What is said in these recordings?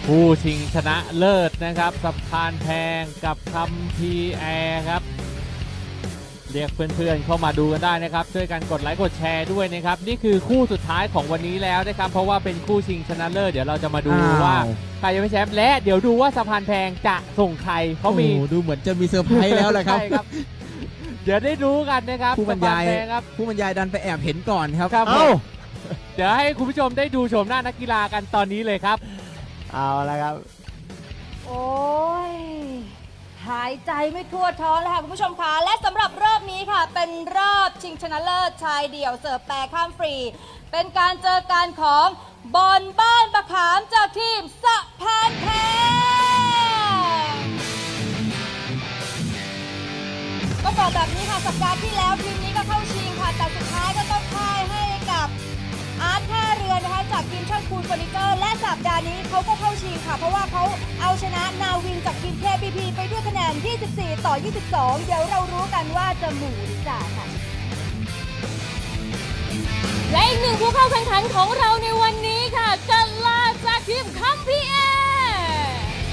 ผู้ชิงชนะเลิศนะครับสะพานแพงกับคัมภีร์แอร์ครับเรียกเพื่อนๆเข้ามาดูกันได้นะครับช่วยกันกดไลค์กดแชร์ด้วยนะครับนี่คือคู่สุดท้ายของวันนี้แล้วนะครับเพราะว่าเป็นคู่ชิงชนะเลิศเดี๋ยวเราจะมาดูว่าใครจะเป็นแชมป์และเดี๋ยวดูว่าสะพานแพงจะส่งใครเขามีดูเหมือนจะมีเซอร์ไพรส์แล้วแหละครับใช่ครับเดี๋ยวได้รู้กันนะครับผู้บรรยายครับผู้บรรยายดันไปแอบเห็นก่อนครับเดี๋ยวให้คุณผู้ชมได้ดูชมหน้านักกีฬากันตอนนี้เลยครับเอาละครับโอ้ยหายใจไม่ทั่วท้องเลยค่ะคุณผู้ชมคะและสำหรับรอบนี้ค่ะเป็นรอบชิงชนะเลิศชายเดี่ยวเสิร์ฟแปรข้ามฟรีเป็นการเจอกันของบอลบ้านบะขามจากทีมสะพานแพงก็บอกแบบนี้ค่ะสัปดาห์ที่แล้วทีมนี้ก็เข้าชิงค่ะแต่สุดท้ายก็ต้องพ่ายให้กับอาร์ตท่าเรือนะคะจากทีมช่างคูนเฟอร์นิเจอร์และสัปดาห์นี้เขาก็เข้าชิงค่ะเพราะว่าเขาเอาชนะนาวินจากทีม KPP ไปด้วยคะแนน 24-22 เดี๋ยวเรารู้กันว่าจะหมู่หรือจ่าค่ะและอีกหนึ่งผู้เข้าแข่งขันของเราในวันนี้ค่ะกัลลาจากทีมคัมภีร์แอร์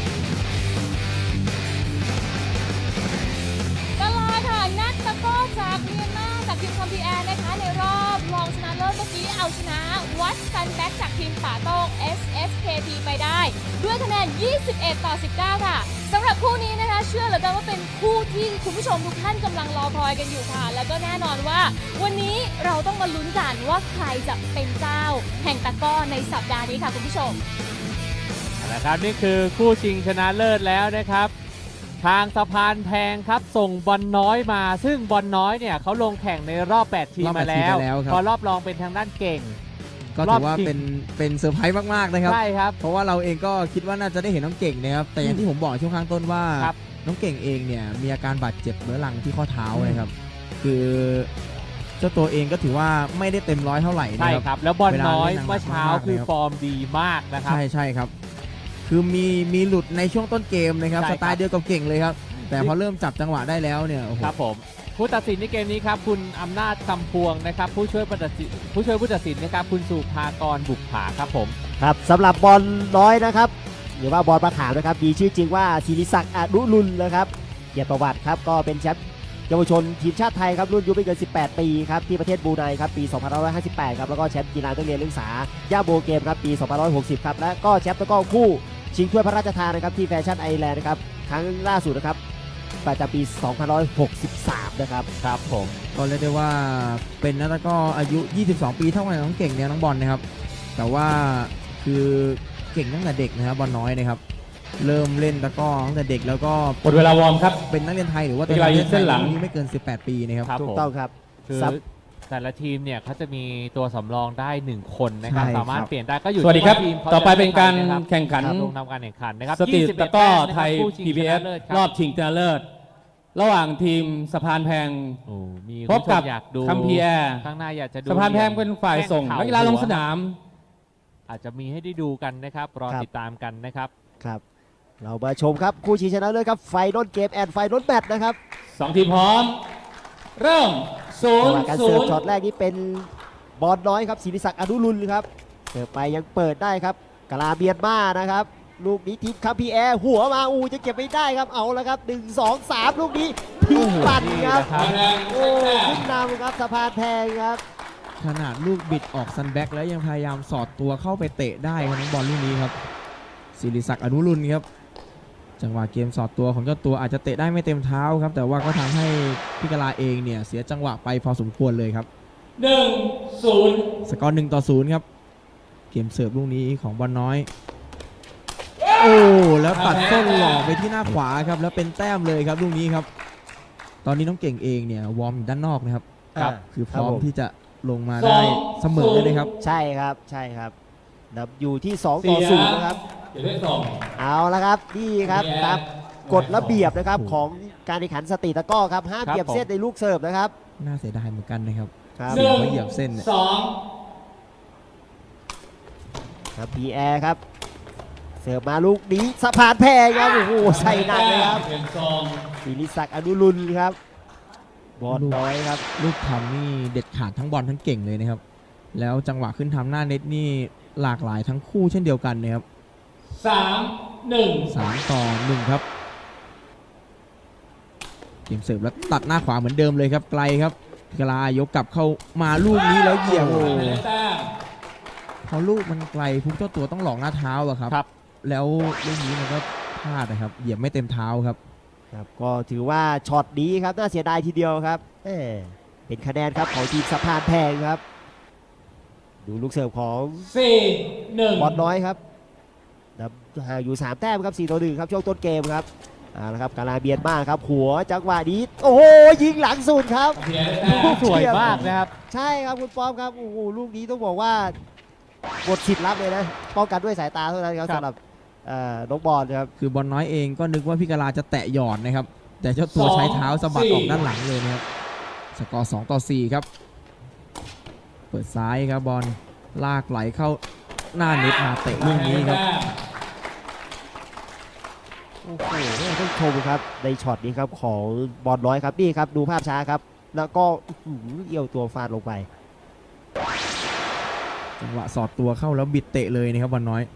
กัลลาค่ะนักตะกร้อจากเมียนมาจากทีมคัมภีร์แอร์นะคะในรอบรองชนะเลิศเมื่อกี้เอาชนะวัดซันแบ็กจากทีมป่าโต้ง SSKT ไปได้ด้วยคะแนน 21-19 ค่ะสำหรับคู่นี้นะคะเชื่อเหลือเกินว่าเป็นคู่ที่คุณผู้ชมทุกท่านกำลังรอคอยกันอยู่ค่ะแล้วก็แน่นอนว่าวันนี้เราต้องมาลุ้นกันว่าใครจะเป็นเจ้าแห่งตะกร้อในสัปดาห์นี้ค่ะคุณผู้ชมนะครับนี่คือคู่ชิงชนะเลิศแล้วนะครับทางสะพานแพงครับส่งบอลน้อยมาซึ่งบอลน้อยเนี่ยเขาลงแข่งในรอบ 8 ทีมมาแล้วพอรอบรองเป็นทางด้านเก่งก็ถือว่าเป็นเซอร์ไพรส์มากๆนะครับใช่ครับเพราะว่าเราเองก็คิดว่าน่าจะได้เห็นน้องเก่งนะครับแต่อย่างที่ผมบอกช่วงข้างต้นว่าน้องเก่งเองเนี่ยมีอาการบาดเจ็บเรื้อรังที่ข้อเท้านะครับคือเจ้าตัวเองก็ถือว่าไม่ได้เต็มร้อยเท่าไหร่ใช่ครับแล้วบอลน้อยเมื่อเช้าคือฟอร์มดีมากนะครับใช่ครับคือมีหลุดในช่วงต้นเกมนะครับสไตล์เดียวกับเก่งเลยครับแต่พอเริ่มจับจังหวะได้แล้วเนี่ยครับผมผู้ตัดสินในเกมนี้ครับคุณอำนาจคำพวงนะครับผู้ช่วยผู้ตัดสินนะครับคุณสุภากรบุกผาครับผมครับสำหรับบอลน้อยนะครับหรือว่าบอลประขามนะครับมีชื่อจริงว่าศิริศักดิ์อนุรุณนะครับเกียรติประวัติครับก็เป็นแชมป์เยาวชนทีมชาติไทยครับรุ่นอายุไม่เกิน18 ปีครับที่ประเทศบรูไนครับปี 2558 ครับแล้วก็แชมป์กีฬานักเรียนนักศึกษาย่าโบเกมครับปี 2560 ครับและก็แชมป์ตะกร้อคู่ชิงถ้วยพระราชทานนะครับที่แฟชั่นไอแลนด์นะครับครั้งล่าสุดนะครับประจำปี 2563 นะครับครับผมก็เรียกได้ว่าเป็นนักตะกร้ออายุ 22 ปีเท่ากับน้องเก่งเนี่ยน้องบอลนะครับแต่ว่าคือเก่งตั้งแต่เด็กนะครับบอลน้อยนะครับเริ่มเล่นตะกร้อตั้งแต่เด็กแล้วก็หมดเวลาวอร์มครับเป็นนักเรียนไทยหรือว่าเป็นนักเรียนเส้นหลังไม่เกิน18 ปีนะครับถูกต้องครับคือแต่ละทีมเนี่ยเขาจะมีตัวสำรองได้1คนนะครับสามารถเปลี่ยนได้ก็อยู่สวัสดีครับทีมต่อไปเป็นการแข่งขันลงทำการแข่งขันนะครับสตรีทตะกร้อไทย PBF รอบชิงชนะเลิศระหว่างทีมสะพานแพงพบกับคัมภีร์แอร์ข้างหน้าอยากจะดูสะพานแพงเป็นฝ่ายส่งนักกีฬาลงสนามอาจจะมีให้ได้ดูกันนะครับรอติดตามกันนะครับครับเรามาชมครับคู่ชิงชนะเลิศครับไฟนอลเกมแอนด์ไฟนอลแมตช์นะครับ 2 ทีมพร้อมเริ่มการเสิร์ฟช็อตแรกนี้เป็นบอลน้อยครับศิริศักดิ์อนุรุณครับเสิร์ฟไปยังเปิดได้ครับกลาเบียนมานะครับลูกนี้ทีมคัมภีร์แอร์หัวมาจะเก็บไม่ได้ครับเอาแล้วครับ1 2 3ลูกนี้ทิ้งปั่นครับขึ้นนำครับสะพานแพงครับขนาดลูกบิดออกซันแบ็กแล้วยังพยายามสอดตัวเข้าไปเตะได้ครับน้องบอลลูกนี้ครับศิริศักดิ์อนุรุณครับจังหวะเกมสอดตัวของเจ้าตัวอาจจะเตะได้ไม่เต็มเท้าครับแต่ว่าก็ทำให้พิกลาเองเนี่ยเสียจังหวะไปพอสมควรเลยครับ 1-0 สกอร์1-0ครับเกมเสิร์ฟลูกนี้ของบอลน้อยแล้วตัดส้นหลอกไปที่หน้าขวาครับแล้วเป็นแต้มเลยครับลูกนี้ครับตอนนี้น้องเก่งเองเนี่ยวอร์มอยู่ด้านนอกนะครับคือพร้อมที่จะลงมาได้เสมอเลยครับใช่ครับนับอยู่ที่2-0นะครับเอาละครับนี่ครับตามกฎระเบียบนะครับของการแข่งขันสตรีทตะกร้อครับห้ามเหยียบเส้นในลูกเสิร์ฟนะครับน่าเสียดายเหมือนกันนะครับเสี่ยงเหยียบเส้นครับพีแอร์ครับเสิร์ฟมาลูกนี้สะพานแพงครับใส่หนักเลยครับศิริศักดิ์อนุรุณครับบอลน้อยครับลูกทำนี่เด็ดขาดทั้งบอลทั้งเก่งเลยนะครับแล้วจังหวะขึ้นทำหน้าเน็ตนี่หลากหลายทั้งคู่เช่นเดียวกันนะครับค 3-1 3-1 ครับเกมเสิร์ฟแล้วตัดหน้าขวาเหมือนเดิมเลยครับไกลครับพิกาลายกกลับเข้ามาลูกนี้แล้วเหยียบโอ้โหแต้มพอลูกมันไกลปุ๊บเจ้าตัวต้องหลอกหน้าเท้าอะครับครับแล้วลูกนี้มันก็พลาดนะครับเหยียบไม่เต็มเท้าครับครับก็ถือว่าช็อตนี้ครับน่าเสียดายทีเดียวครับเป็นคะแนนครับของทีมสะพานแพงครับ ดูลูกเสิร์ฟของ 4-1 บอลน้อยครับนำห่างอยู่ 3 แต้มครับ4-1ครับช่วงต้นเกมครับเอาละครับกาลาเบียนมากครับหัวจังหวะนี้โอ้โหยิงหลังสุดครับเพียได้แต้มสวยมากนะครับใช่ครับคุณป้อมครับโอ้โหลูกนี้ต้องบอกว่าบทฉิดรับเลยนะป้องกันด้วยสายตาเท่านั้นครับครับสำหรับน้องบอลครับคือบอลน้อยเองก็นึกว่าพิกาลาจะแตะหยอดนะครับ แต่เจ้าตัวใช้เท้าสะบัดออกด้านหลังเลยนะครับสกอร์2-4ครับเปิดซ้ายครับบอลลากไหลเข้าหน้าเน็ตมาเตะลูกนี้ครับโอ้โหต้องชมครับในช็อตนี้ครับของบอลน้อยครับนี่ครับดูภาพช้าครับ แล้วก็เอี่ยวตัวฟาดลงไปจังหวะสอดตัวเข้าแล้วบิดเตะเลยนะครับบอลน้อย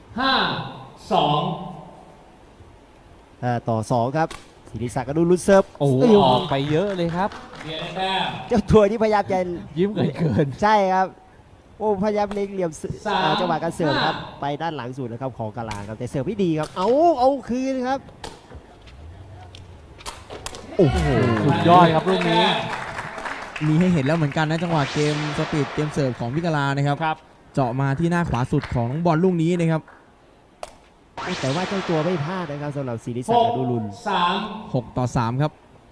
5-2 ต่อ 2 ครับศิริศักดิ์อนุรุณเซิร์ฟโอ้โหเยออกไปเยอะเลยครับเพียได้แต้มเจ้าตัวนี้พยายามจะยิ้มเกินใช่ครับโอ้พยายามเล็งเหลี่ยม 3 จังหวะการเสิร์ฟครับไปด้านหลังสุดนะครับของกาลาครับแต่เสิร์ฟไม่ดีครับเอาคืนครับโอ้โหสุดยอดครับลูกนี้มีให้เห็นแล้วเหมือนกันนะจังหวะเกมสปีดเกมเสิร์ฟของพิกาลานะครับครับเจาะมาที่หน้าขวาสุดของน้องบอลลูกนี้นะครับโอ้แต่ว่าเจ้าตัวไม่พลาดนะครับสำหรับศิริศักดิ์อนุรุณ 6-3 6-3 ครับ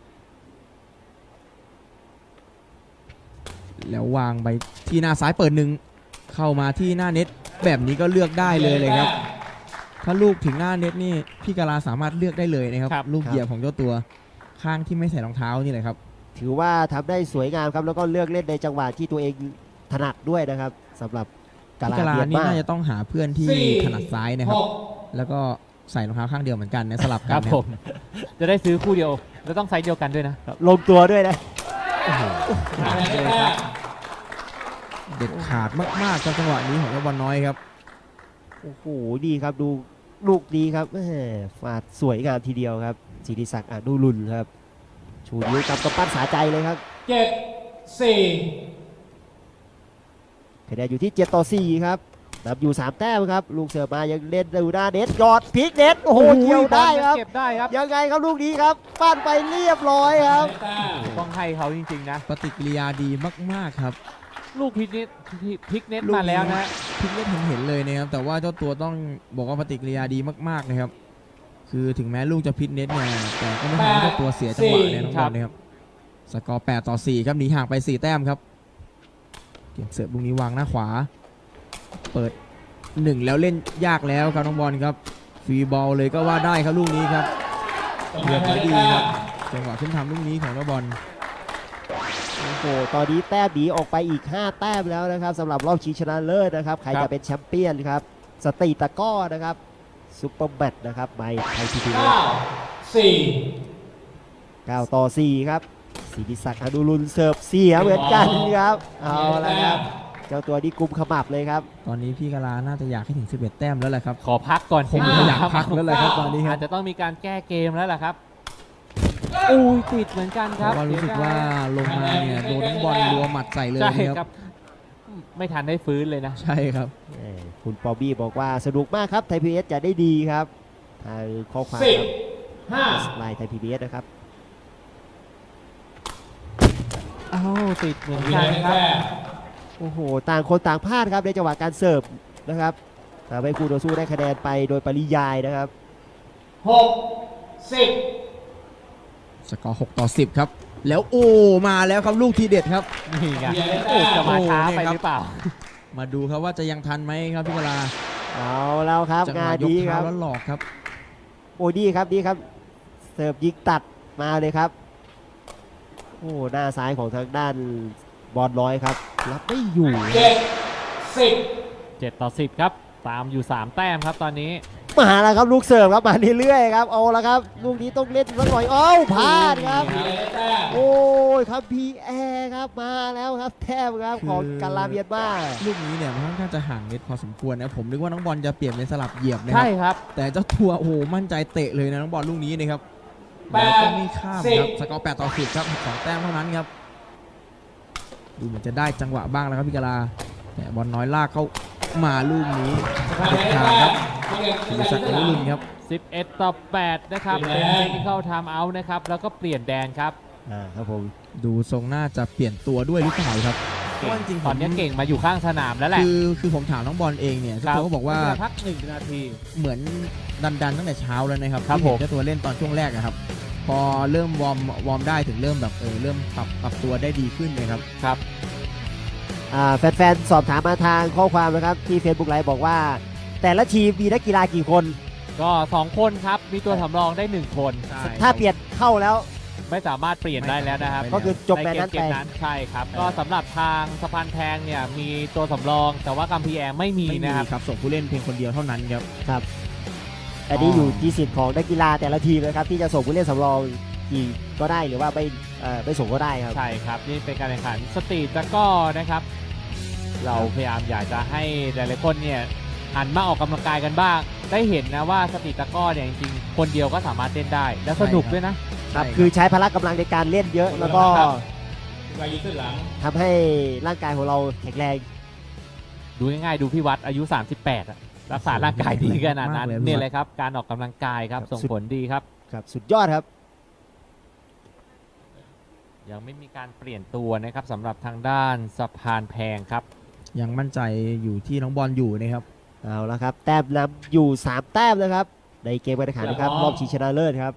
แล้ววางไปที่หน้าซ้ายเปิดหนึ่งเข้ามาที่หน้าเน็ตแบบนี้ก็เลือกได้เลยครับ ถ้าลูกถึงหน้าเน็ตนี่พี่กาลาสามารถเลือกได้เลยนะครับครับลูกเหยียบของเจ้าตัวข้างที่ไม่ใส่รองเท้านี่แหละครับถือว่าทำได้สวยงามครับแล้วก็เลือกเล่นในจังหวะที่ตัวเองถนัดด้วยนะครับสำหรับกาพี่ลากาลาเบียนนี่มากน่าจะต้องหาเพื่อนที่ถนัดซ้ายนะครับ แล้วก็ใส่รองเท้าข้างเดียวเหมือนกันนะสลับคกัรันบนะผม จะได้ซื้อคู่เดียวแล้วต้องไซส์เดียวกันด้วยนะลงตัวด้วยนะเด็ดขาดมากๆครับจังหวะนี้ของเจ้าบอลน้อยครับโอ้โหดีครับดูลูกดีครับแหม่ฟาดสวยงามทีเดียวครับศิริศักดิ์อนุรุณครับชูนิ้วกับกำปั้นสาใจเลยครับ 7-4 คะแนนอยู่ที่7-4ครับนำอยู่3 แต้มครับลูกเสิร์ฟมายังเล่นดูหน้าเน็ตยอดพลิกเน็ตโอ้โหเกี่ยวได้ครับเก็บได้ครับยังไงครับลูกนี้ครับปั้นไปเรียบร้อยครับต้องให้เขาจริงๆนะปฏิกิริยาดีมากๆครับลูกพลิกเน็ตมาแล้วนะพลิกเน็ตเห็นเลยนะครับ แต่ว่าเจ้าตัวต้องบอกว่าปฏิกิริยาดีมากๆนะครับ คือถึงแม้ลูกจะพลิกเน็ตเนี่ยแต่ก็ไม่ทำให้เจ้าตัวเสียจังหวะเนี่ยน้องบอลนะครับสกอร์8-4ครับหนีห่างไป4 แต้มครับเกมเสิร์ฟลูกนี้วางหน้าขวา เปิด1แล้วเล่นยากแล้วครับน้องบอลครับฟรีบอลเลยก็ว่าได้ครับลูกนี้ครับเลือกไว้ดีครับจังหวะขึ้นทำลูกนี้ของน้องบอลโอ้โหตอนนี้แต้มหนีออกไปอีก 5 แต้มแล้วนะครับสำหรับรอบชิงชนะเลิศนะครับใครครัจะบเป็นแชมเปี้ยนครับสตรีตะกร้อนะครับซุปเปอร์แบทนะครับไมค์ไทยทีวี 9-4 ครับศิริศักดิ์อนุรุณเสิร์ฟเสียเหมือนกันครับเอาละครับเจ้าตัวนี้กุมขมับเลยครับตอนนี้พี่กาลาน่าจะอยากให้ถึง11 แต้มแล้วแหละครับขอพักก่อนคงจะอยากพักแล้วแหละครับตอนนี้คอารับจจะต้องมีการแก้เกมแล้วล่ะครับอุ้ยติดเหมือนกันคเพรับราะว่ารู้สึกว่าลงมาเนี่ยโดนน้องบอลรัวหมัดใส่เลยใช่นะคครัรับ บ ไม่ทันได้ฟื้นเลยนะใช่ครับคุณปอบี้บอกว่าสนุกมากครับไทยพีเอสจะได้ดีครับทางข้อความครับไลน์ไทยพีบีเอสนะครับอ้าวติดเหมือนกันครับโอ้โหต่างคนต่างพลาดครับในจังหวะการเสิร์ฟนะครับทำให้คู่ต่อสู้ได้คะแนนไปโดยปริยายนะครับสกอร์6-10ครับแล้วโอ้มาแล้วครับลูกทีเด็ดครับนี่ไงโอ้จะมาช้าไปหรือเปล่ามาดูครับว่าจะยังทันไหมครับพี่กาลาเอาแล้วครับจังหงานวะยกดีคเท้ารับแล้วหลอกครับโอ้ดีครับดีครับเสิร์ฟยิงตัดมาเลยครับโอ้หน้าซ้ายของทางด้านบอลน้อยครับรับไม่อยู่ 7-10 ครับ ตามอยู่ 3 แต้มครับตอนนี้มาแล้วครับลูกเสิร์ฟครับมาเรื่อยๆครับเอาละครับลูกนี้ต้องเล่นสักหน่อยอ้าวพลาดครับ โอ้ยครับพีแอร์ครับมาแล้วครับแทบครับของกาลาเบียนมาลูกนี้เนี่ยมันค่อนข้างจะห่างเน็ตพอสมควรนะผมนึกว่าน้องบอลจะเปลี่ยนเป็นสลับเหยียบนะคใช่รับครับแต่เจ้าตัวโอ้โหมั่นใจเตะเลยนะน้องบอลลูกนี้นะครับแล้วก็ไม่ข้ามครับสกอร์8-10ครับ2 แต้มเท่านั้นครับดูเหมือนจะได้จังหวะบ้างแล้วครับพี่กาลาแต่บอลน้อยลากเข้ามาลูกนี้เด็ดขาดครับศิริศักดิ์อนุรุณครับ 11-8 นะครับ เป็นเทคนิคเข้าไทม์เอาท์นะครับ แล้วก็เปลี่ยนแดนครับครับผมดูทรงน่าจะเปลี่ยนตัวด้วยหรือเปล่าครับเพราะว่าจริงๆตอนนี้เก่งมาอยู่ข้างสนามแล้วแหละคือผมถามน้องบอลเองเนี่ยเจ้าตัวก็บอกว่าพัก1 นาทีเหมือนดันตั้งแต่เช้าแล้วนะครับครับที่เห็นผมเจ้าตัวเล่นตอนช่วงแรกอะครับ พอเริ่มวอร์มได้ถึงเริ่มแบบเริ่มปรับตัวได้ดีขึ้นเลยครับครับแฟนๆสอบถามมาทางข้อความนะครับที่ Facebook ไลฟ์บอกว่า แต่ละทีมมีนักกีฬากี่คนก็ 2 คนครับ มีตัวสำรองได้ 1 คนถ้าเปลี่ยนเข้าแล้วไม่สามารถเปลี่ยนได้แล้วนะครับก็คือจบแมตช์นั้นเกไปมนั้นใช่ครับ ก็สำหรับทางสะพานแพงเนี่ยมีตัวสำรอง แต่ว่ากัมพีแอร์ไม่มีไม่มีนะครับครับส่งผู้เล่นเพียงคนเดียวเท่านั้นครับครับอันนี้อยู่ที่สิทธิ์ของนักกีฬาแต่ละทีมนะครับที่จะส่งผู้เล่นสำรองกี่ก็ได้หรือว่าไม่ส่งก็ได้ครับใช่ครับ นี่เป็นการแข่งขันสตรีทตะกร้อนะครับ เราพยายามอยากจะให้หลายๆคนเนี่ยหันมาออกกำลังกายกันบ้าง ได้เห็นนะว่าสตรีทตะกร้อเนี่ยจริงๆคนเดียวก็สามารถเล่นได้ และสนุกด้วยนะครับคือใช้พละกำลังในการเล่นเยอะแล้วก็ครับไปยืนขึ้นหลังทำให้ร่างกายของเราแข็งแรงดูง่ายๆดูพี่วัดอายุ 38อะรักษาร่างกายดีขนาดนั้นมากเลยนี่เลยครับการออกกำลังกายครับส่งผลดีครับครับสุดยอดครับยังไม่มีการเปลี่ยนตัวนะครับสำหรับทางด้านสะพานแพงครับยังมั่นใจอยู่ที่น้องบอลอยู่นะครับเอาละครับแต้มนำอยู่ 3 แต้มนะครับในเกมการแข่งขันนะครับรอบชิงชนะเลิศครับ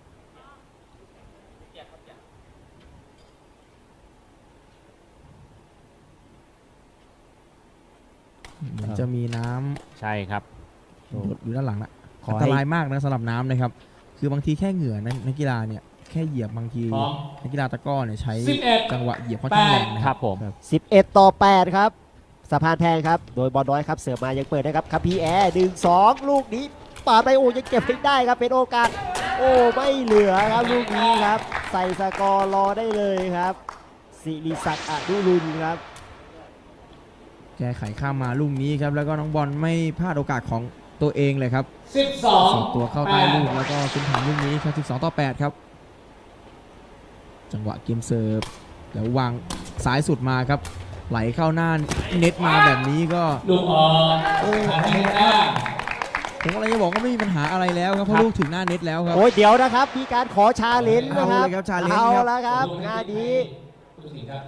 เหมือนจะมีน้ำใช่ครับหยดอยู่ด้านหลังนะขออันให้ตรายมากนะสำหรับน้ำนะครับ คือบางทีแค่เหงื่อนะนักกีฬาเนี่ยแค่เหยียบบางทีพร้อมนักกีฬาตะกร้อเนี่ยใช้ 11 จังหวะเหยียบค่อนข้างแรงนะคครัรับบ ผม 11-8 ครับสะพานแพงครับโดยบอลน้อยครับเสิร์ฟมายังเปิดนะครับครับพีแอร์1-2 ลูกนี้ปาดไปโอ้ยังเก็บไม่ได้ครับเป็นโอกาสโอ้ไม่เหลือครับลูกนี้ครับใส่สกอร์รอได้เลยครับศิริศักดิ์อนุรุณครับแก้ไขข้ามมาลูกนี้ครับแล้วก็น้องบอลไม่พลาดโอกาสของตัวเองเลยครับ 12 ส่งตัวเข้าใต้ลูกแล้วก็ขึ้นทางลูกนี้ครับ12-8 ครับ จังหวะเกมเสิร์ฟแล้ววางซ้ายสุดมาครับ ไหลเข้าหน้าเน็ตมาแบบนี้ก็ลูกออกโอ้ทางให้แต้มผมอะไรจะบอกว่าไม่มีปัญหาอะไรแล้วครับเพราะลูกถึงหน้าเน็ตแล้วครับโอ้ยเดี๋ยวนะครับมีการขอชาเลนจ์นะครับเอาเลยครับ challenge เอาครับแล้วครับงานนี้ผู้ตัดสินครับ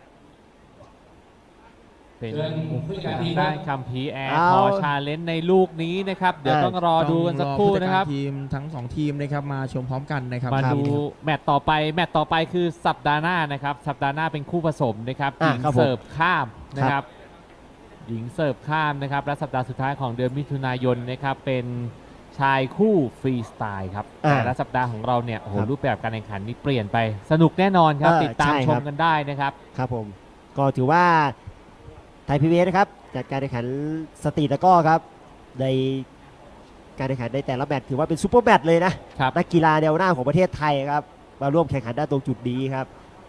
เป็นเชิญผู้จัดการทีมด้านคัมพีแอร์เอาขอชาเลนจ์ในลูกนี้นะครับเดี๋ยวต้องรอดูกันสักครู่นะครับทีมทั้งสองทีมนะครับมาชมพร้อมกันนะครับมาดูแมตต์ต่อไปคือสัปดาห์หน้านะครับสัปดาห์หน้าเป็นคู่ผสมนะครับหญิงครับผมเสิร์ฟข้ามนะครับหญิงเสิร์ฟข้ามนะครับและสัปดาห์สุดท้ายของเดือนมิถุนายนนะครับเป็นชายคู่ฟรีสไตล์ครับแต่ละสัปดาห์ของเราเนี่ยโอ้โหรูปแบบการแข่งขันนี่เปลี่ยนไปสนุกแน่นอนครับติดตามชมกันได้นะครับครับผมก็ถือว่าไทยพีบีเอสนะครับจัดการแข่งขันสตรีทตะกร้อครับในการแข่งขันในแต่ละแมตช์ถือว่าเป็นซูเปอร์แมตช์เลยนะครับ นักกีฬาแนวหน้าของประเทศไทยครับมาร่วมแข่งขันได้ตรงจุดนี้ครับ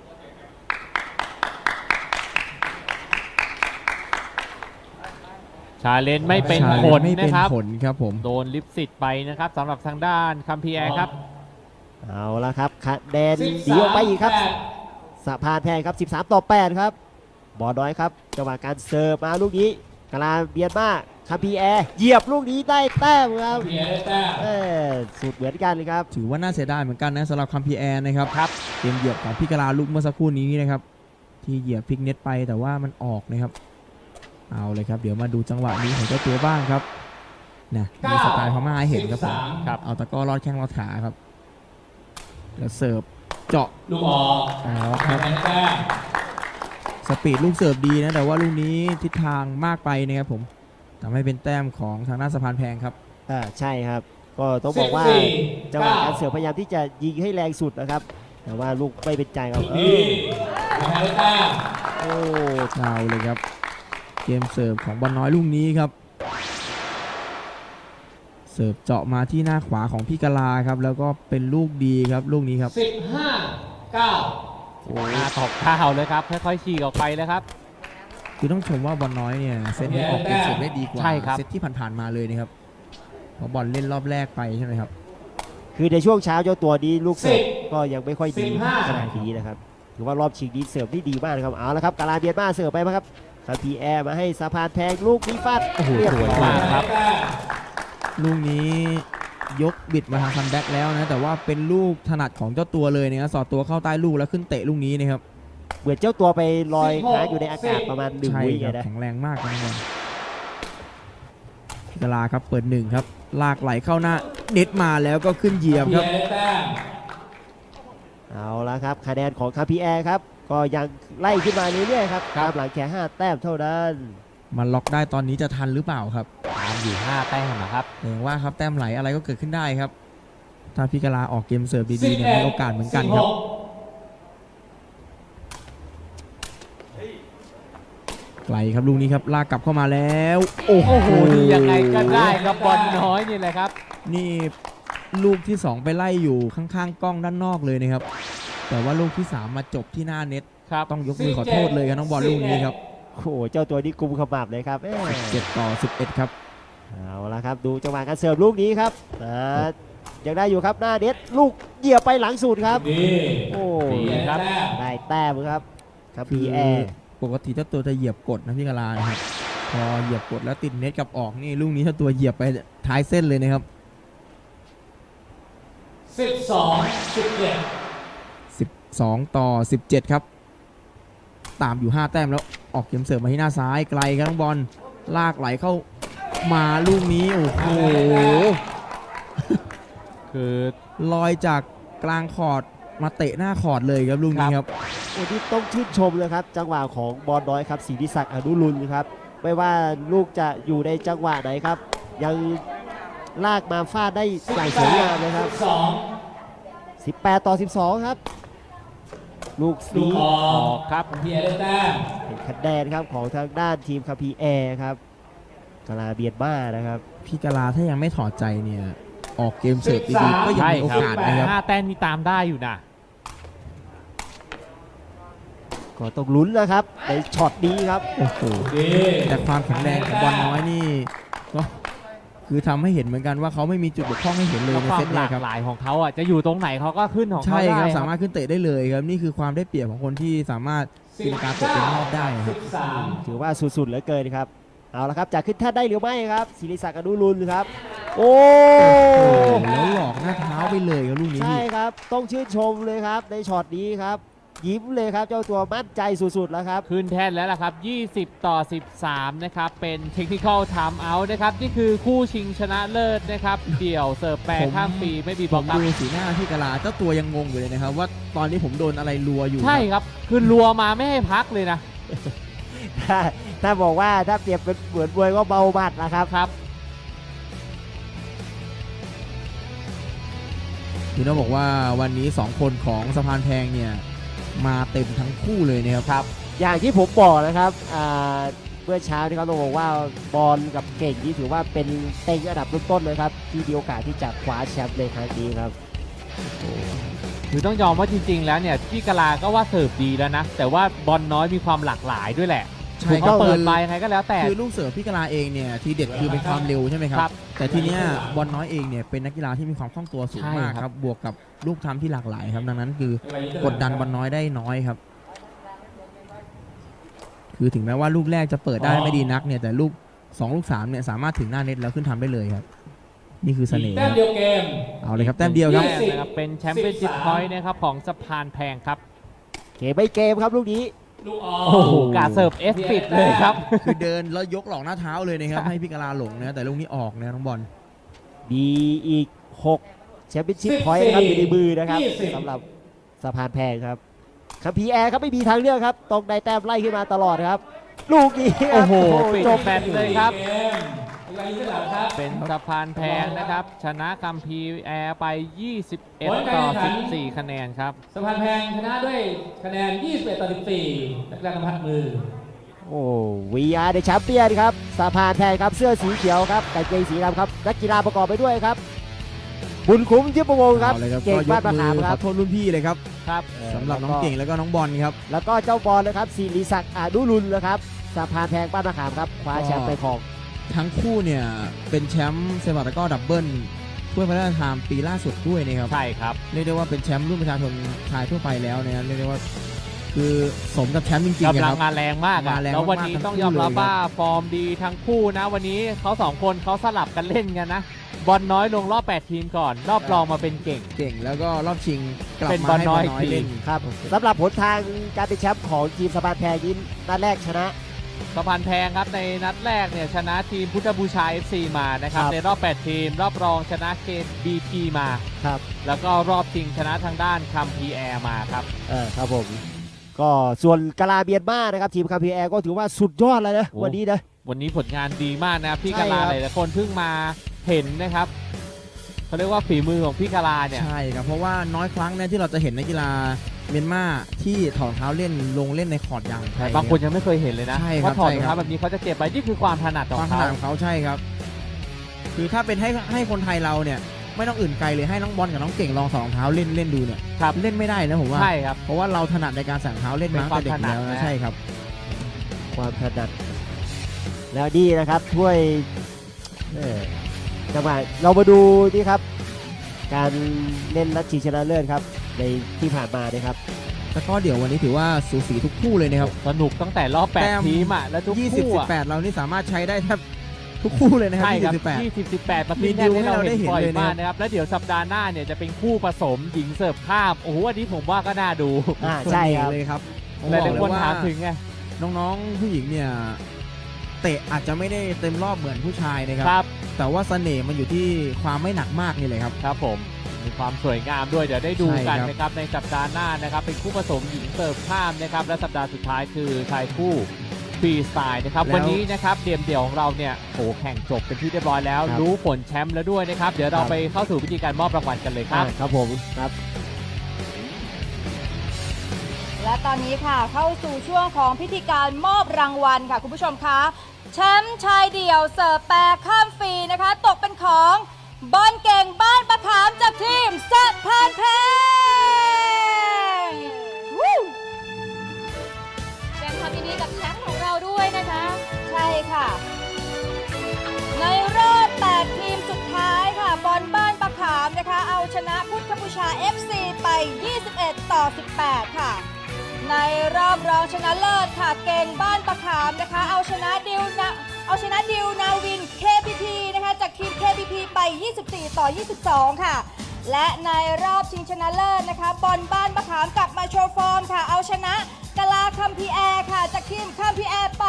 ชาเลนจ์ไม่เป็นชาผเลลนจ์ไม่เป็นะนครับผลครับผมโดนลิฟสิตไปนะครับสำหรับทางด้านคัมพีแอร์ครับเอาละครับคะแนนดีออกไปอีกครับสะพานแพงครับ13-8 ครับบอลน้อยครับจังหวะการเสิร์ฟมาลูกนี้กาลาเบียนมาคัมพีแอร์เหยียบลูกนี้ได้แต้มครับเพียร์ได้แต้มสุดเหมือนกันเลยครับถือว่าน่าเสียดายเหมือนกันนะสำหรับคัมพีแอร์นะครับครับเกมเหยียบของพี่กะลาลูกเมื่อสักครู่นี้นะครับที่เหยียบพลิกเน็ตไปแต่ว่ามันออกนะครับเอาเลยครับเดี๋ยวมาดูจังหวะนี้ของเจ้าตัวบ้างครับนะมีสไตล์พม่าให้เห็นครับผม 13 ครับเอาตะกร้อรอดแข้งรอดขาครับแล้วเสิร์ฟเจาะลูกออกเอาคทารังบให้แต้มสปีดลูกเสิร์ฟดีนะแต่ว่าลูกนี้ทิศทางมากไปนะครับผมทำให้เป็นแต้มของทางด้านสะพานแพงครับใช่ครับ ก็ต้องบอกว่า 14 จังหวะการเสิร์ฟพยายามที่จะยิงให้แรงสุดนะครับ แต่ว่าลูกไม่เป็นใจครับลูกนี้ทางให้แต้มโอ้เอาเลยครับเกมเสิร์ฟของบอลน้อยลูกนี้ครับเสิร์ฟเจาะมาที่หน้าขวาของพี่กะลาครับแล้วก็เป็นลูกดีครับลูกนี้ครับ 15-9 โอ้หน้าตบเท้าเลยครับค่อยๆฉีกออกไปเลยครับคือต้องชมว่าบอลน้อยเนี่ยเซตนี้ออกเกมเสิร์ฟได้ดีกว่าใช่ครับเซตที่ผ่านๆมาเลยนะครับเพราะบอลเล่นรอบแรกไปใช่ไหมครับคือในช่วงเช้าเจ้าตัวนี้ลูกเสิร์ฟ 10 ก็ยังไม่ค่อยดี 15 ขนาดนี้นะครับถือว่ารอบชิงนี้เสิร์ฟที่ดีมากนะครับเอาละครับกาลาเบียนมาเสิร์ฟไปไหมครับคาพีแอร์มาให้สะพานแพงลูกนี้ฟาดโอ้โหเรียบสวยร้อมากครับลูกนี้ยกบิดมาทางซันแบ็กแล้วนะแต่ว่าเป็นลูกถนัดของเจ้าตัวเลยนะครับสอดตัวเข้าใต้ลูกแล้วขึ้นเตะลูกนี้นะครับเหมือนเจ้าตัวไปลอยค้างอยู่ในอากาศประมาณ1 ใช่วิครับนะแข็งแรงมากนะครับพี่กะลาครับเปิด1ครับลากไหลเข้าหน้าเน็ตมาแล้วก็ขึ้นเหยียบครับเอาละครับคะแนนของคาพีแอร์ครับก็ยังไล่ขึ้นมาเรื่อยๆครับครับตามหลังแค่5แต้มเท่านั้นมันล็อกได้ตอนนี้จะทันหรือเปล่าครับตามอยู่5แต้มนะครับอย่างว่าครับแต้มไหลอะไรก็เกิดขึ้นได้ครับ ถ้าพี่กะลาออกเกมเสิร์ฟดีๆเนี่ยมีโอกาสเหมือนกันครับไกลครับลูกนี้ครับลากกลับเข้ามาแล้วโอ้โอ้โหโหนี่ยังไงก็ได้ครับบอลน้อยนี่แหละครับนี่ลูกที่ 2 ไปไล่อยู่ข้างๆกล้องด้านนอกเลยนะครับ แต่ว่าลูกที่ 3 มาจบที่หน้าเน็ตครับต้องยกมือขอโทษเลยครับน้องบอลลูกนี้ครับโอ้โหเจ้าตัวนี้กุมขมับเลยครับ 7-11ครับเอาละครับดูจังหวะการเสิร์ฟลูกนี้ครับยังได้อยู่ครับหน้าเน็ตลูกเหยียบไปหลังสุดครับโอ้ดีครับได้แต้มครับครับคืพีอแอร์ปกติเจ้าตัวจะเหยียบกดนะพี่กะลานะครับพอเหยียบกดแล้วติดเน็ตกลับออกนี่ลูกนี้เจ้าตัวเหยียบไปท้ายเส้นเลยนะครับ 12-17 ครับ ตามอยู่ 5 แต้มแล้วออกเกมเสิร์ฟมาที่หน้าซ้ายไกลครับน้องบอลลากไหลเข้ามาลูกนี้โอ้โหคือลอยจากกลางคอร์ดมาเตะหน้าคอร์ดเลยครับลูกนี้ครับโอ้ที่ต้องชื่นชมเลยครับจังหวะของบอลน้อยครับศรีนิศักดิ์อนุรุณครับไม่ว่าลูกจะอยู่ในจังหวะไหนครับ ยังลากมาฟาดได้อย่างสวยงามเลยครับ18-12 ครับ ลูกนี้ออกครับเป็นคะแนนครับของทางด้านทีมคาพีแอร์ครับกาลาเบียนมานะครับพี่กะลาถ้ายังไม่ถอดใจเนี่ยออกเกมเสิร์ฟดีๆก็ยังใช่มีโอครับกาสนะครับ 5แต้มนี่ตามได้อยู่นะก็ต้องลุ้นนะครับในช็อตนี้ครับโอ้โหแต่ความแข็งแรงของบอลน้อยนี่ก็คือทำให้เห็นเหมือนกันว่าเขาไม่มีจุดบกพร่องให้เห็นเลยแล้วในควาเซมตหเนี้ลาย กครับหลายของเขาอ่ะจะอยู่ตรงไหนเขาก็ขึ้นของเขาใช่ได้ครับคสารับมารถขึ้นเตะได้เลยครับนี่คือความได้เปรียบของคนที่สามารถตีลังกาตกเป็นรอบได้ครับถือว่าสุดๆเหลือเกินครับเอาละครับจะขึ้นแท่นได้หรือไม่ครับศิริศักดิ์อนุรุณครับโอ้แล้วหลอกหน้าเท้าไปเลยครับลูกนี้ใช่ครับต้องชื่นชมเลยครับในช็อตนี้ครับยิ้มเลยครับเจ้าตัวมั่นใจสุดๆแล้วครับขึ้นแท่นแล้วล่ะครับ 20-13 นะครับ เป็นเทคนิคอลไทม์เอาท์นะครับ นี่คือคู่ชิงชนะเลิศนะครับ เดี่ยวเสิร์ฟแปรข้ามปีไม่มีบผล็อกมครับดูสีหน้าพี่กะลาเจ้าตัวยังงงอยู่เลยนะครับว่าตอนนี้ผมโดนอะไรรัวอยู่ใช่ครับ คือรัวมาไม่ให้พักเลยนะถ้าบอกว่าถ้าเปรียบเป็นเหมือนมวยก็เบาหมัดนะครับครับคือต้องบอกว่าวันนี้2คนของสะพานแพงเนี่ยมาเต็มทั้งคู่เลยนะครับอย่างที่ผมบอกนะครับเมื่อเช้านี่ครับต้องบอกว่าบอลกับเก่งนี่ถือว่าเป็นเต็งอันดับต้นๆเลยครับที่มีโอกาสที่จะคว้าแชมป์ในครั้งนี้ครับคือต้องยอมว่าจริงๆ แล้วเนี่ยพี่กะลาก็ว่าเสิร์ฟดีแล้วนะ แต่ว่าบอลน้อยมีความหลากหลายด้วยแหละใช่เขาครับเปิดไปยังไงก็แล้วแต่คือลูกเสิร์ฟพี่กะลาเองเนี่ยทีเด็ดคือเป็นความเร็วใช่ไหมคครัรับบแต่ทีเนี้ยบอลน้อยเองเนี่ยเป็นนักกีฬาที่มีความคล่องตัวสูงใช่มากครับครับบวกกับลูกทำที่หลากหลายครับดังนั้นคือกดดันบอลน้อยได้น้อยครับ คือถึงแม้ว่าลูกแรกจะเปิดได้ไม่ดีนักเนี่ยแต่ลูก2ลูก3เนี่ยสามารถถึงหน้าเน็ตแล้วขึ้นทำได้เลยครับนี่คือเสน่ห์แต้มเดียวเกมเอาเลยครับแต้มเดียวครับแต้มนะครับเป็นแชมเปี้ยนชิพพอยต์นะครับของสะพานแพงครับเกมไม่เกมครับลูกนี้ลูกออโอ้โหกาเสิร์ฟเอสปิดเลยครับคือเดินแล้วยกหลอกหน้าเท้าเลยนะครับให้พี่กะลาหลงนะแต่ลูกนี้ออกนะน้องบอลมีอีก6แชมเปี้ยนชิพพอยต์นะครับอยู่ในมือนะครับสำหรับสะพานแพงครับคัมพีแอร์ครับไม่มีทางเลือกครับต้องได้แต้มไล่ขึ้นมาตลอดครับ ลูกนี้คโอ้รับโหปิดจบแบตเลยครับเกมเวลาที่หลังครับเป็นสะพานแพงนะครับ ชนะคัมพีแอร์ไป 21-14 คะแนนครับสะพานแพงชนะด้วยคะแนน 21-14นักกีฬากำพัดมือโอ้ VR ในแชมเปี้ยนครับสะพานแพงครับเสื้อสีเขียวครับกางเกงสีดำครับนักกีฬาประกอบไปด้วยครับบุญคุ้มทิพย์ประวงศ์ครับเอาเลยครับเก่งก็ยบ้าก นมะมืขามอคขรัอบ โทษรุ่นพี่เลยครับครับสำหรับน้องเก่งแล้วก็น้องบอลครับแล้วก็เจ้าบอลนะครับศิริศักดิ์อนุรุณนะครับสะพานแพงบ้านมะขามครับคว้าแชมป์ไปครองทั้งคู่เนี่ยเป็นแชมป์เซปักตะกร้อดับเบิลถ้วยพระราชทานปีล่าสุดด้วยนะครับใช่ครับเรียกได้ว่าเป็นแชมป์รุ่นประชาชนชายทั่วไปแล้วนะครับเรียกได้ว่าคือสมกับแชมป์จริงๆกำนะลัคงรับมาแรงมากอะมาแรงแล้ววันนี้มากๆต้องยอมรับทั้งคู่เลยว่าฟอร์มดีทั้งคู่นะ วันนี้เขาสองคนเขาสลับกันเล่นกันนะ บอลน้อยลงรอบ 8 ทีมก่อน รอบรองมาเป็นเก่งเก่งแล้วก็รอบชิงกลับเป็นมาบอลให้น้บออยลน้อยเล่นครับสำหรับผลทางการเป็นแชมป์ของทีมสะพานแพงนี้นัดแรกชนะสะพานแพงครับในนัดแรกเนี่ยชนะทีมพุทธบูชา FC มานะครับครับในรอบ 8 ทีม รอบรองชนะเกม BP มาครับแล้วก็รอบชิงชนะทางด้านคัมพีแอร์มาครับครับผมก็ส่วนกาลาเบียนมานะครับทีมคาพีแอร์ก็ถือว่าสุดยอดเลยนะโอ้วันนี้นะวันนี้ผลงานดีมากนะครับพี่ใช่กาลาครับหลายๆคนเพิ่งมาเห็นนะครับเขาเรียกว่าฝีมือของพี่กาลาเนี่ยใช่ครับเพราะว่าน้อยครั้งเนี่ยที่เราจะเห็นนักกีฬาเมียนมาที่ถอดรองเท้าเล่นลงเล่นในคอร์ดยางไทยบางคนยังไม่เคยเห็นเลยนะใช่ครับว่าถอดใช่รองครัเท้าบแบบนี้เขาจะเก็บไว้นี่คือความถนัดขคอวามงถเขานัดของเขาใช่ครับ คือถ้าเป็นให้คนไทยเราเนี่ยไม่ต้องอื่นไกลเลยให้น้องบอลกับน้องเก่งลองถอดรองเท้าเล่นดูเนี่ยครับเล่นไม่ได้นะผมว่าใช่ครับเพราะว่าเราถนัดในการใส่รองเท้าเล่นมาตั้งแต่เด็กอยู่แล้วเป็นความถนัดนะนะใช่ครับความถนัดแล้วนี่นะครับถ้วยจังหวะเรามาดูนี่ครับ การเล่นนัดชิงชนะเลิศครับในที่ผ่านมานะครับแล้วก็เดี๋ยววันนี้ถือว่าสูสีทุกคู่เลยนะครับสนุกตั้งแต่รอบแต้ม 8 ทีมอ่ะ แล้วทุก 20 คู่อ่ะ 18เรานี่สามารถใช้ได้แทบทุกคู่เลยนะครับใช่ครับ 20 18 20-18ประมีเภทดิแน่วที่เราให้เราได้เห็นเห็นบ่อยเลยนะครับมากนะครับ แล้วเดี๋ยวสัปดาห์หน้าเนี่ยจะเป็นคู่ผสมหญิงเสิร์ฟข้าม โอ้โหอันนี้ผมว่าก็น่าดูใช่ครับเลยครับหลายๆคนถามถึงไงน้องๆผู้หญิงเนี่ยเตะอาจจะไม่ได้เต็มรอบเหมือนผู้ชายนะครับครับแต่ว่าเสน่ห์มันอยู่ที่ความไม่หนักมากนี่เลยครับครับผมมีความสวยงามด้วยเดี๋ยวได้ดูกันใช่ครับนะครับในสัปดาห์หน้านะครับเป็นคู่ผสมหญิงเสิร์ฟข้ามนะครับและสัปดาห์สุดท้ายคือชายคู่ฟรีสไตล์นะครับวันนี้นะครับเดียมเดี่ยวของเราเนี่ยโหแข่งจบเป็นที่เรียบร้อยแล้วครับรู้ผลแชมป์แล้วด้วยนะครับเดี๋ยวเราไปเข้าสู่วิธีการมอบรางวัลกันเลยครับครับผมครับและตอนนี้ค่ะเข้าสู่ช่วงของพิธีการมอบรางวัลค่ะคุณผู้ชมคะแชมป์ชายเดี่ยวเสิร์ฟแปรข้ามฟรีนะคะ ตกเป็นของบอลเก่งบ้านประขามจากทีมสะพานแพงวู้แสดงความยินดีกับแชมป์ของเราด้วยนะคะใช่ค่ะ ในรอบ 8 ทีมสุดท้ายค่ะ บอลบ้านประขามนะคะ เอาชนะพุทธบูชา FC ไป 21-18 ค่ะ ในรอบรองชนะเลิศค่ะ เก่งบ้านประขามนะคะ เอาชนะดิวนาวิน KPP นะคะจากทีม KPP ไป 24-22 ค่ะ และในรอบชิงชนะเลิศนะคะ บอลบ้านประขามกลับมาโชว์ฟอร์มค่ะ เอาชนะกะลาคัมพีแอร์ค่ะ จากทีมคัมพีแอร์ไป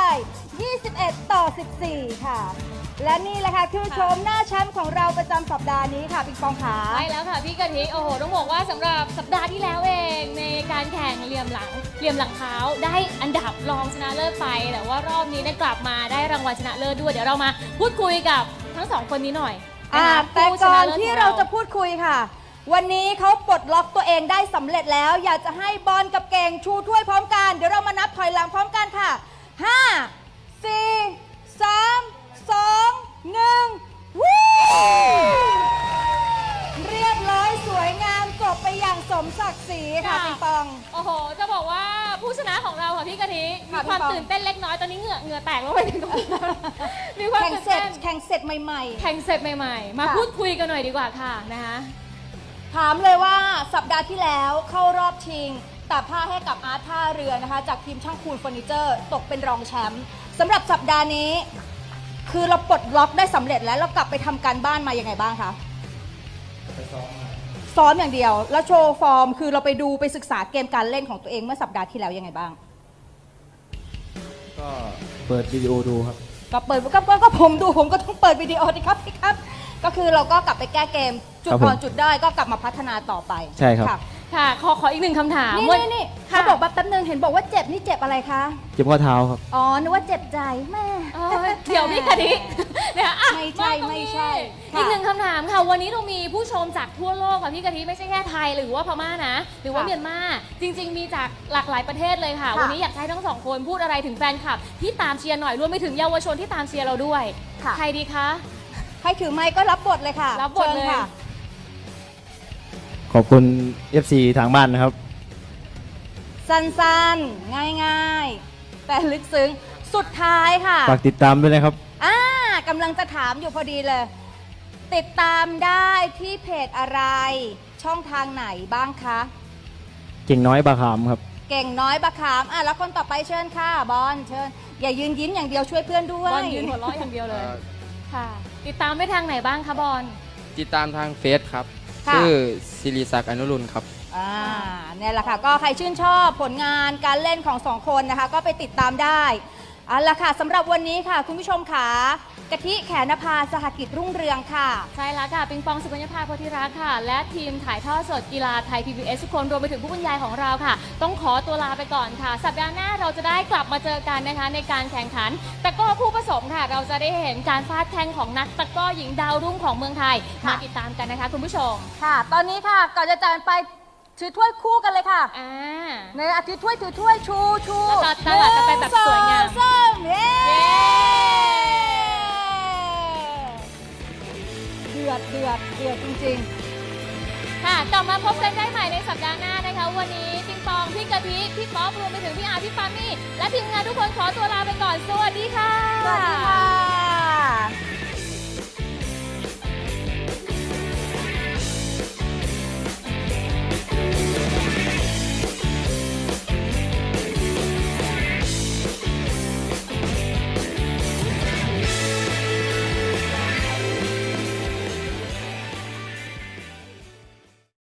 21-14 ค่ะ และนี่แหละค่ะคือโฉมหน้าแชมป์ของเราประจำสัปดาห์นี้ค่ะปิงปองขาใช่แล้วค่ะพี่กะทิโอ้โหต้องบอกว่าสำหรับสัปดาห์ที่แล้วเองในการแข่งเหลี่ยมหลังเท้าได้อันดับรองชนะเลิศไปแต่ว่ารอบนี้เนี่ยกลับมาได้รางวัลชนะเลิศด้วยเดี๋ยวเรามาพูดคุยกับทั้งสองคนนี้หน่อยนะคะแต่ผู้ชก่อนะนเลิศที่ของเราจะพูดคุยค่ะ วันนี้เขาปลดล็อกตัวเองได้สำเร็จแล้ว อยากจะให้บอลกับเก่งชูถ้วยพร้อมกัน เดี๋ยวเรามานับถอยหลังพร้อมกันค่ะ 5 4 3 2 1 วู้เรียบร้อยสวยงามจบไปอย่างสมศักดิ์ศรีค่ะปิงปองโอ้โหจะบอกว่าผู้ชนะของเราค่ะพี่กะทิมีค่ะความพี่ปองตื่นเต้นเล็กน้อยตอนนี้เหงื่อแตกแล้วไปถึงตรงนี้มีความแข่งตื่นเสร็จเต้นแข่งเสร็จใหม่แข่งเสร็จใหม่ๆ มาค่ะพูดคุยกันหน่อยดีกว่าค่ะนะคะๆ ถามเลยว่าสัปดาห์ที่แล้วเข้ารอบชิงตัดผ้าให้กับอาร์ตท่าเรือนะคะ จากทีมช่างคูนเฟอร์นิเจอร์ ตกเป็นรองแชมป์สำหรับสัปดาห์นี้ คือเราปลดล็อกได้สำเร็จแล้วเรากลับไปทำการบ้านมายังไงบ้างคะซ้อมอย่างเดียว แล้วโชว์ฟอร์ม คือเราไปดูไปศึกษาเกมการเล่นของตัวเองเมื่อสัปดาห์ที่แล้วยังไงบ้างก็เปิดวิดีโอดูครับก็เปิดก็ผมดูผมก็ต้องเปิดวิดีโอดิครับพี่ครับ ก็คือเราก็กลับไปแก้เกม จุดครับผมอ่อนจุดได้อยก็กลับมาพัฒนาต่อไปใช่ครับะค่ะขออีกหนึ่งคำถามนี่ค่ะเขาบอกว่าแป๊บนึงเห็นบอกว่าเจ็บนี่เจ็บอะไรคะเจ็บข้อเท้าครับอ๋อ นึกว่าเจ็บใจแม่เดี๋ยวพี่กะทิเนี่ยอ่ะไม่ใช่าตรงนี้ไม่ใช่อีกค่ะหนึ่งคำถามค่ะ วันนี้เรามีผู้ชมจากทั่วโลกค่ะพี่กะทิไม่ใช่แค่ไทยหรือว่าพม่านะ หรือว่าค่ะเมียนมาจริง ๆ มีจากหลากหลายประเทศเลยค่ะค่ะวันนี้อยากให้ทั้งสองคนพูดอะไรถึงแฟนคลับที่ตามเชียร์หน่อยรวมไปถึงเยาวชนที่ตามเชียร์เราด้วยค่ะใครดีคะใครถือไม้ก็รับบทเลยค่ะรับบทเลยชิญค่ะขอบคุณ FC ทางบ้านนะครับสั้นๆ ง่ายๆ แต่ลึกซึ้งสุดท้ายค่ะฝากติดตามด้วยนะครับกำลังจะถามอยู่พอดีเลย ติดตามได้ที่เพจอะไร ช่องทางไหนบ้างคะเก่งน้อยบาขามครับเก่งน้อยบะขามแล้วคนต่อไปเชิญค่ะ บอลเชิญ อย่ายืนยิ้มอย่างเดียวช่วยเพื่อนด้วยบอลยืนหัวเราะอย่างเดียวเลยค่ะ ติดตามได้ทางไหนบ้างคะบอลติดตามทางเฟซครับค่ะชื่อศิริศักดิ์อนุรุณครับเนี่ยแหละค่ะ ก็ใครชื่นชอบผลงานการเล่นของสองคนนะคะ ก็ไปติดตามได้เอาละค่ะสำหรับวันนี้ค่ะ คุณผู้ชมค่ะกะทิแขนภาสหกิจรุ่งเรืองค่ะใช่แล้วค่ะปิงปองสุกัญญาภาโพธิรักษ์ค่ะ และทีมถ่ายทอดสดกีฬาไทย PBS ทุกคนรวมไปถึงผู้บรรยายของเราค่ะ ต้องขอตัวลาไปก่อนค่ะ สัปดาห์หน้าเราจะได้กลับมาเจอกันนะคะ ในการแข่งขันตะกร้อคู่ผสมค่ะ เราจะได้เห็นการฟาดแข่งของนักตะกร้อหญิงดาวรุ่งของเมืองไทยค่ะมาติดตามกันนะคะคุณผู้ชมค่ะ ตอนนี้ค่ะก่อนจะจากไปถือถ้วยคู่กันเลยค่ะอ่าในถือถ้วยชูแล้วก็ตลาดกันไปแบบสวยงาม 1 2 3เย้เย้เดือดจริงๆค่ะกลับมาพบกันได้ใหม่ในสัปดาห์หน้านะคะ วันนี้ปิงปองพี่กะทิพี่ป๊อปรวมไปถึงพี่อาร์พี่ปามี่และทีมงานทุกคนขอตัวลาไปก่อนสวัสดีค่ะสวัสดีค่ะ